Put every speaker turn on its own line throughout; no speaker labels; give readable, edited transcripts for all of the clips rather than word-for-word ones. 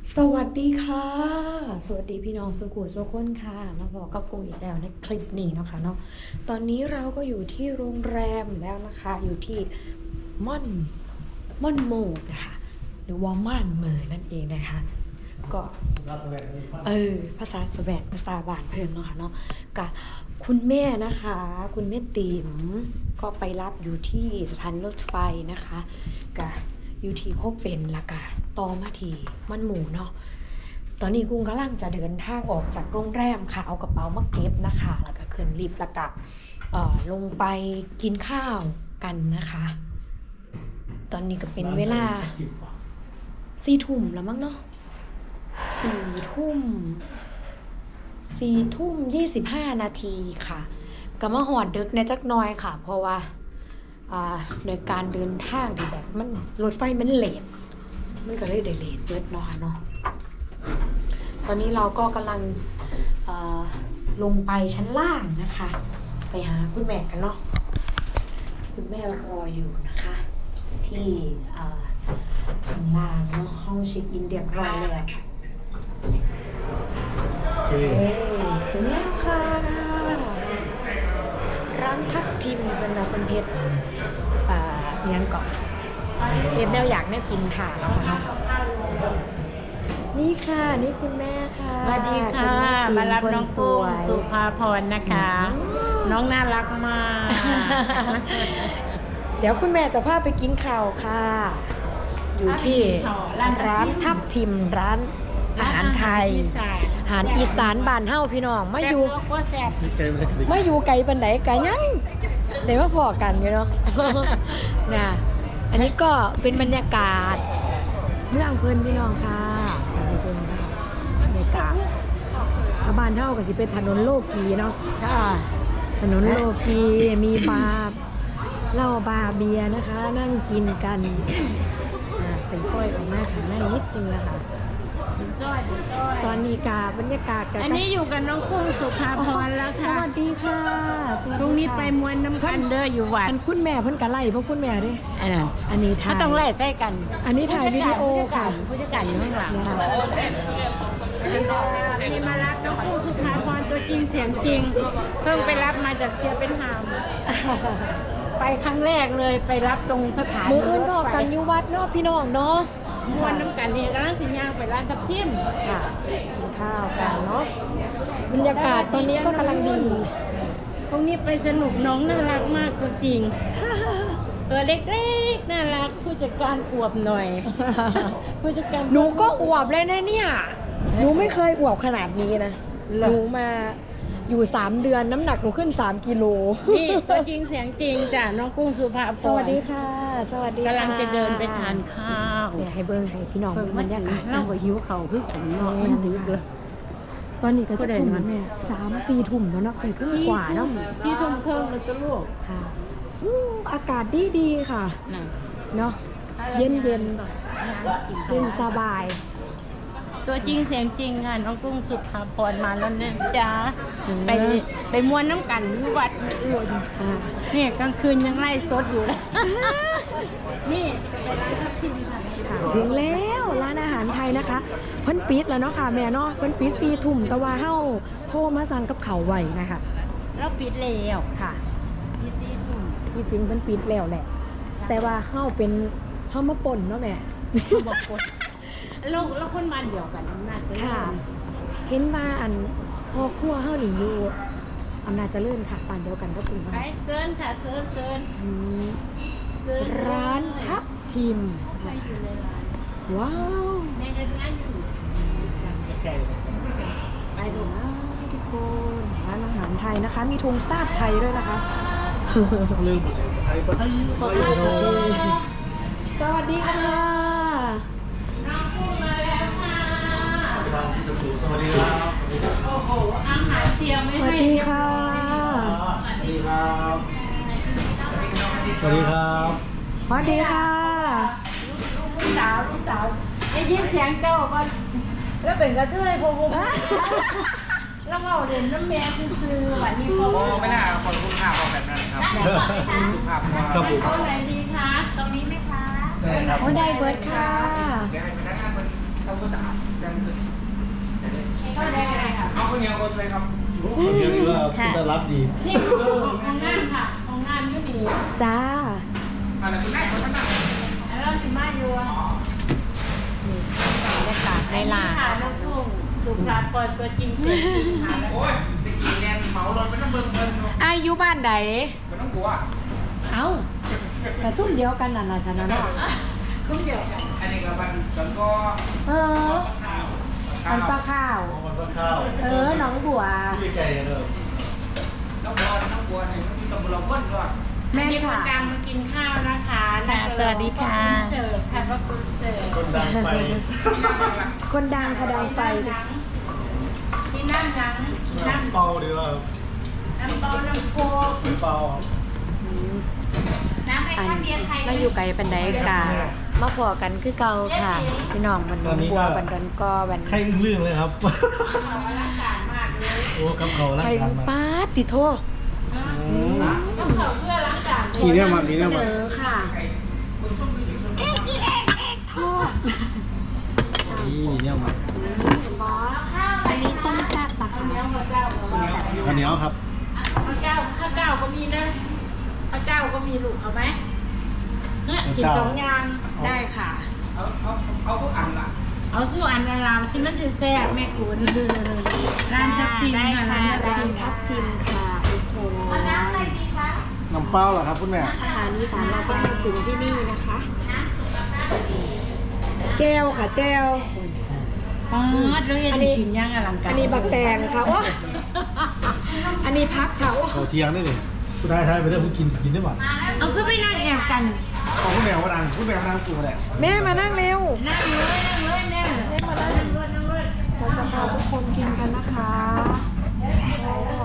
สวัสดีค่ะสวัสดีพี่น้องสุขุมทุกคนค่ะมาบอกกับกุ้งอีกแล้วในคลิปนี้เนาะค่ะเนาะตอนนี้เราก็อยู่ที่โรงแรมแล้วนะคะอยู่ที่ม่อนโมดนะคะหรือว่าม่านเมอนั่นเองนะคะก็ภาษาสวีเดนภาษาบ้านเพิ่นเนาะค่ะเนาะกับคุณแม่นะคะคุณแม่ติ๋มก็ไปรับอยู่ที่สถานีรถไฟนะคะกับอยู่ที่โคกเป็นละกะต่อมาที่มันหมูเนาะตอนนี้กุ้งกำลังจะเดินทางออกจากโรงแรมค่ะเอากระเป๋ามาเก็บนะคะแล้วก็ขึ้นลิฟต์แล้วก็ลงไปกินข้าวกันนะคะตอนนี้ก็เป็นเวลา4 ทุ่มแล้วมั้งเนาะ4 ทุ่ม25 นาทีค่ะก็มาหอดดึกในจักหน่อยค่ะเพราะว่าในการเดินทางที่แบบมันรถไฟมันเลทมันก็เลยได้เลทเบิดเนาะเนาะตอนนี้เราก็กำลังลงไปชั้นล่างนะคะไปหาคุณแม่กันเนาะคุณแม่รออยู่นะคะที่ข้างล่างเนาะห้องเช็คอินเรียบร้อยแล้วถึงแล้วค่ะร้านทับทิมเป็นแบบเป็นเพชรยังก่อนเพชรแนวอยากแนวกินค่ะแล้วค่ะนี่ค่ะนี่คุณแม่ค่ะ
สวัสดีค่ะมารับน้องกุ้งสุภาพรนะคะน้องน่ารักมาก
เดี๋ยวคุณแม่จะพาไปกินข้าวค่ะอยู่ที่ร้านทับทิมร้านอาหารไทยอาหารอีสานบ้านเฮาพี่น้องมาอยู่ไกลปานใดไกลยังเดี๋ยวมาพอกันอยู่เนาะ น่ะอันนี้ก็เป็นบรรยากาศเมืองเพิ่นพี่น้องค่ะบรรยากาศบ้านเฮาก็สิเป็นถนนโลกีเนาะค่ะถนนโลกีมีบาร์เหล้าบาร์เบียร์นะคะนั่งกินกันเป็นซอยออกมาข้างในนิดนึงนะคะตอนนี้กาบรรยากาศกัน
อันนี้อยู่กับน้องกุ้งสุภาพรแล้วค่ะ
สวัสดีค่ะ
พรุ่งนี้ไปมวนน้ำกันเด้ออยู่วัด
อันคุณแม่เพิ่นกะไล่เพราะคุณแม่ดิอันนี้ถ่าย
ต้องไล่ใส่กัน
อันนี้ถ่ายวิดีโอค่ะ
ผู้จัดการอยู่ข้างหลังนี่มารับน้องกุ้งสุภาพรตัวจริงเสียงจริงเพิ่งไปรับมาจากเชียร์เป็นหามไปครั้งแรกเลยไปรับตรงสถาน
มืออื่นนอกกันอยู่วัดเนาะพี่น้องเนาะ
มวนน้ำกันนี่กำลังสิย่างไปร้านทับทิม
ค่ะกินข้าวกันเนาะบรรยากาศตอนนี้ก็กำลังดี
พรุ่งนี้ไปสนุกน้องน่ารักมากตัวจริงตัวเล็กๆน่ารักผู้จัดการอวบหน่อยผู้จัดการ
หนูก็อวบเลยนะเนี่ยหนูไม่เคยอวบขนาดนี้นะหนูมาอยู่3 เดือนน้ำหนักหนูขึ้น3 กิโล
นี่ตัวจริงเสียงจริงจ้ะน้องกุ้งสุภาพร
สวัสดีค่ะสวัสดีค่ะ
กำลังจะเดินไปทานข้าว
เนี่ยให้เบิ้งให้พี่น้องบรรยากาศ
เราก็หิวเข่าคึกอันนี้มันดึกเลย
ตอนนี้ก็จะทุ่มแม่3-4 ทุ่มแล้วเนาะ4 ทุ่มกว่าเนาะ
4 ทุ่มครึ่งแล้วตัวลูก
ค่ะอากาศดีค่ะเนาะเย็นสบาย
ตัวจริงเสียงจริงค่ะน้องกุ้งสุภาพรมาแล้วเนี่ยจ้าไปมวนน้ำกันวัดอื่นนี่กลางคืนยังไล่สดอยู่เลยนี่
ถึงแล้วร้านอาหารไทยนะคะเพิ่นปิดแล้วเนาะค่ะแม่เนาะเพิ่นปิด4 ทุ่มแต่ว่าเฮาโทรมาสั่งกับเขาไว้นะคะ
แล้วปิดแล้วค่ะ4 ทุ่ม
ที่จริงเพิ่นปิดแล้วแหละแต่ว่าเฮามาป่นเนาะแม่
มาป่นแล้วคนมาเดียวกันน่าจะ
ค่ะเห็นว่าอันครอบครัวเฮานี่อยู่อำนาจเจริญค่ะปานเดียวกันก็คือว่า
ไปเซิร์นค่ะเซิร์น
ร้านทับทิมว้าว
ในเงินงานอยู่
ไปดูนะทุกคนร้านอาหารไทยนะคะมีธงชาติไทยด้วยนะคะ
ลืมไทยปะ
สวัสดีค่ะ
สวัสดีครับ
โอ้โหอาหารเตรียมไม่ให้
สวัสดีค่ะ
สวัสดีครับสวัสดีครับ
สวัสดีค่ะ
พี่สาวได้ยินเสียงเจ้าก็แล้วเป็นกระเทยพงแล้วเราเรียนน้ำแม่ซื้อวันนี้เขา
ไม่น่าคนพูดภาพออกแบบนั้นครับสุภาพ
ครับผม
ตรงไหนดีคะตรงนี้ไหมคะ
ได้ครับได้เบิร์ดค่ะ
เขาก็จะยังคือ
ก็ได้อะไรค่ะ
เอาคนเดียวก็ช่วยครับ
คนเดียวนี่ว่าคุณจะรับดี
นี่ของงานค่ะของงานก็ดี
จ้า
อะไรคุณได้เขาท่านนั่ง
แล้วเราสิมาอยู่อ่ะ
บรรยากาศในร้าน
ค่ะน้องทุ่งสุภาพรตัวจริงเสียงจริงค่ะแล้ว
โอ้ยตะกี้แนนเหมารถไปน้ำเบิ่งเบิ่งเนาะ
อายุบ้านใด
ไม่ต้องกลัว
เอ้ากระซุ่มเดียวกันนั่นล่ะชนะเนาะ
คุ้มเดียวกัน
อันนี้ก็มันแล้วก็
เออมันปลาข้าว
มันก็ข้าว
น้องบัว
ที่ไก่เนอะ
น้องบัวเนี่ยมีตำรวจพ่นด้วย
แม่
มีคน
ค่ะ
ดังมากินข้าวนะคะ
ค่ะสวัสดีค่ะ
เสิร์ฟค่ะว่าคุณเสิร์ฟ
คนดังไป
คนดังค่ะดังไฟ
ที่นั่งหลังที่นั่ง
เป่าดีว่า
น้ำเปาน้ำโคก
เป็นเป่า
น้ำไอ้
อัน
ข้าวเบียร์ไทย
มาอยู่ไกลปันไดกามาพอกันคือเก่าค่ะ พี่น้องบันน้องบัวบันดอนกอบัน
ใครอึ้งเรื่องเลยครับ
ร่างกายมากเลย
โอ้กับเขาร่าง
ใคร
กายมา
ป้าดติโท
ต้องเสิร์ฟเพื่อล้างจาน
มีเนี่ยมามี
เส
เนี่ย
น
มา
อค่ะ
คุณส้มคืออยู่ส้ม
ทอด
นี่เนี่ยมา
บอสอันนี้ต้มแซ่บปะคะ
เนื้อข้าวเจ้า
ข้าวเหนียวครับ
ข้าวเจ้าก็มีนะข้าวเจ้าก็มีลูกเอาไหมเนี่ยกินสองอย่าง
ได้ค่ะ
เอาพวกอันละ
เอาสู้อันนาราที่มันจะแซ่บแม่คุณร้านทับทิมค่ะร้านทับ
ร้า
ทิ
น
ม
ทับทิมค่ะทุกคน
เอาน้ำอะไรดีคะ
น้ำเปล่าเหรอครับคุณแม่
อาหารอีสานเราก็มาถึงที่นี่นะคะแก้วค่ะแก้ว
อ๋อเราเห็นกินย่างอลังการ
อันนี้บักแตงค่ะโอ้อันนี้พักค่ะโอ้
เขาเที่ยงได้เลยคุณได้ไปเรื่องคุณกินได้หมด
เอาขึ้นไปนั่งแอบกัน
ของคุณแม่ว่าดังคุณแม่ว่าดังตัวแหละ
แม่มานั่งเร็ว
นั่งเลยแม่
เราจะพาทุกคนกินกันนะคะโอ้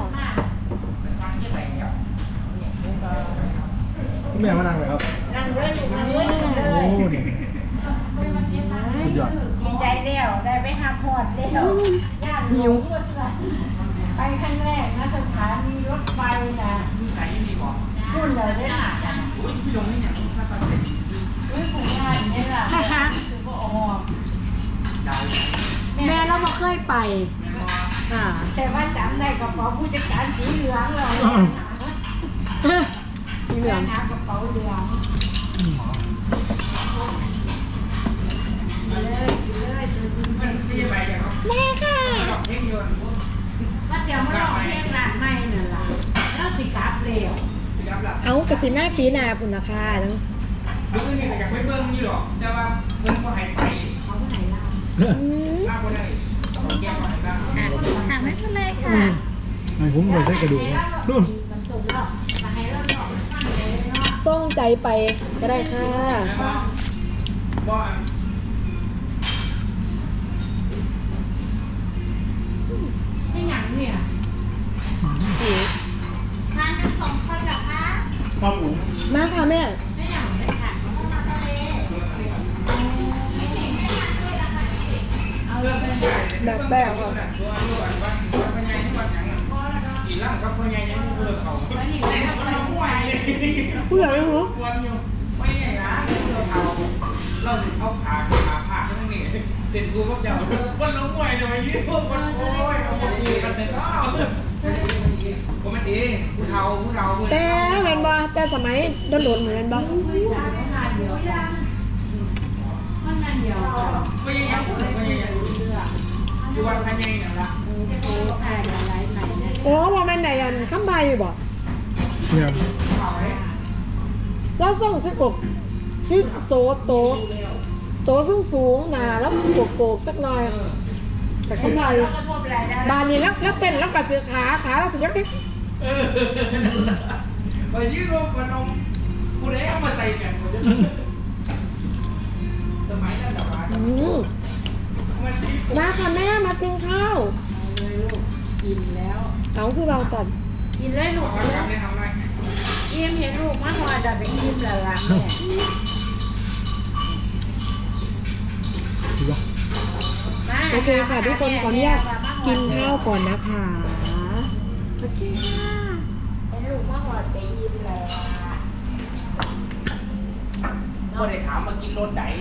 คุณแม่ว่าดังเลยครับ
นั่งเลยนั่งเลย
โอ้นี่สุดยอด
ดีใจเดียวได้ไปหาพอดเดียวย่านหิวไปครั้งแรกนะสถานีรถไฟนะ
ที่ใส่ดีกว่า
พูดเลยได้หนา
โอ้ยพี่ลงนี่เนี่ยถ้าตัดเป็น
อุ้ยผมงานนี่แหละคือก็ออก
ดาว
แม่เราไม่เคยไปค่ะ
แต่ว่าจำได้กระเป๋าผู้จัดการสีเหลืองเรา
สีเหลือง
หากระเป๋าเหลืองเลยตัวจริง
มันไม่ไปกันเนาะ
แม่ค่ะ
เพ่งยนต์
ก็เสียมาลองเพลงร้านใหม่นั่นล่ะแล้วสิกลับเร็ว
สิครับล่ะ
เอากระสีแม่ปีนาพุ่นนะคะแล้ว
ดูนี่แต่ยังไม่เบิ่งนี่หรอกแต่ว่าเพิ่นก็ให้ไป
เขาก็ไหนล่ะ
ลาบ่ได้ต้องแก้บ่ได้
ถามไม่เป็นไร
อื
ค่ะ
มไอ้ผมเลยใช้กระดูกนู่น
มันสูงแล้วมาให้เราหน่อยฟังเลยเนาะ
ส่งใจไปก็ได้ค่ะ
บ่
ไม่หยังเนี่ยทานกัน2 คนเหรอคะ
ครับผม
มาค่ะแม่
ไม่หยังเลยค่ะเอาเลยเป็น
แบบแบบ
ตัวว่าพญายที่วัดหยังกี่ล่างกับพญายยังเลิกเขามันน้องไหวเลย
ผู้ใหญ่รู้
วันอยู่ไม่ไงนะเลิกเขาเราเอาผ่าผ่าทั้งนี้เด็ดกูพวกเจ้าวันน้องไหวหน่อยยืดพวกคนโอ้ยเอาคนดีกันเด็ดอ้าวก็มันดีผู้เฒ่าผู้
แต่เห็นบ่แต่สมัยโดนๆเหมือนบ่
งานเดียวมันงานเดียว
พญายพญายอยู่วัดพญายนั่นละ
โอ้ขายอะไรใหม่เนี่ย
โอ้บ่แม่นไหนอันคำใบบ่
เนี่ย
เขาเลย
เราส่งที่กบที่โตสูงๆหนาแล้วโกกๆสักหน่อย แต่คำใบ
แล้วก็ทั่วไปได้
บานนี้แล้วเต้นแล้วกัดเสือขาเราสุดยอดดิ
ไปยืดรวมกันนมกูได้เอามาใส่กันสมัยนั้นแบบว่า มันที่
มาค่ะแม่มากินข้าว
เลยลูกกินแล้ว
เอาคือเราจัด
กินเลยลูก
ทำได้ทำได้
เยี่ยมเห็นลูกมาหอดับไปกินแล้วล่ะแม่
ถูกป่ะ
โอเคค่ะทุกคนขออนุญาตกินข้าวก่อนนะคะโอเคค่ะ
เห็นลูกมาหอดไปอิ่มแล้ว
ก็ได้ถามมากินรถไหน